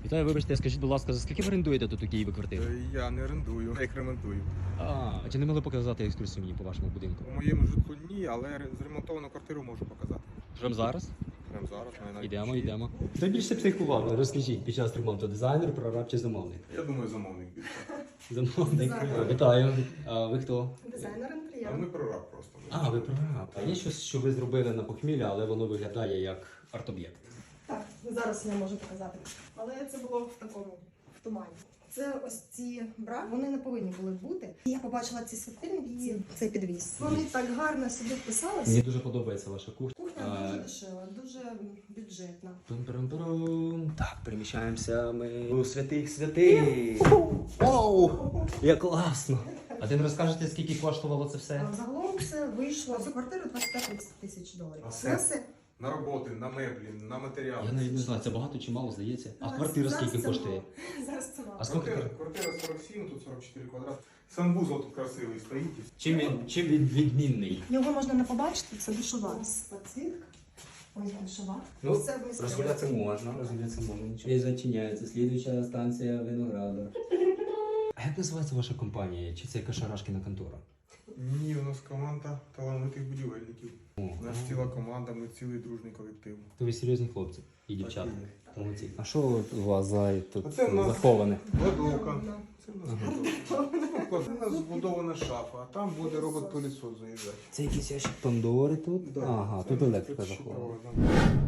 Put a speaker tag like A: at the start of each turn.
A: Вітаю, вибачте, скажіть, будь ласка, за скільки ви орендуєте тут у Києві квартиру?
B: Я не орендую, я їх ремонтую.
A: А чи не могли показати екскурсію мені по вашому будинку?
B: У моєму житлу ні, але зремонтовану квартиру можу показати.
A: Прямо зараз?
B: Прямо зараз, навіть.
A: Йдемо. Хто більше психував? Розкажіть, під час ремонту дизайнер, прораб чи замовник?
B: Я думаю, замовник більше.
A: Замовник. Вітаю. А ви хто?
C: Дизайнер
B: А
C: інтер'єру.
B: ми прораб просто.
A: А, ви прораб. А є щось, що ви зробили на похмілля, але воно виглядає як арт-об'єкт?
C: Так, зараз я можу показати. Але це було в такому, в тумані. Це ось ці бра, вони не повинні були бути. І я побачила ці світильники і цей підвіз. Вони так гарно сюди вписалися.
A: Мені дуже подобається ваша кухня.
C: Кухня дуже дешева, дуже бюджетна.
A: Пум-пум-пум. Так, переміщаємося ми у святих святих. Оу, як класно. А ти не розкажете, скільки коштувало це все?
C: А загалом це вийшло за квартиру 25-30 тисяч доларів.
B: А
C: Це все.
B: На роботи, на меблі, на матеріали.
A: Я навіть не знаю, це багато чи мало, здається. А
C: Зараз-
A: квартира
C: зараз
A: скільки
C: це
A: коштує?
C: мало. Зараз це мало.
A: А скільки?
B: Квартира 47, тут 44 квадрат. Санвузол тут красивий стоїть.
A: Чим він відмінний?
C: Його можна не побачити, це душова. Ось подсвітка, ось душова.
A: Ну,
C: Все вмістилося.
A: розгулятися можна, нічого. І зачиняється. Слідуюча станція Виноградар. А як називається ваша компанія? Чи це якась шарашкіна контора?
B: Ні, у нас команда талановитих будівельників. У нас ціла команда, ми цілий дружний колектив.
A: То ви серйозні хлопці і дівчата.
B: Так і є.
A: Молодці. А що у вас за тут
B: Оце в нас-
A: заховане?
B: Кладовка. Це в нас кладовка. Це в нас збудована шафа, а там буде робот-пилісос заїжджати.
A: Це якийсь ящик Пандори тут?
B: Да,
A: Ага,
B: це
A: тут електрика
B: тут
A: захована.
B: щитова, да.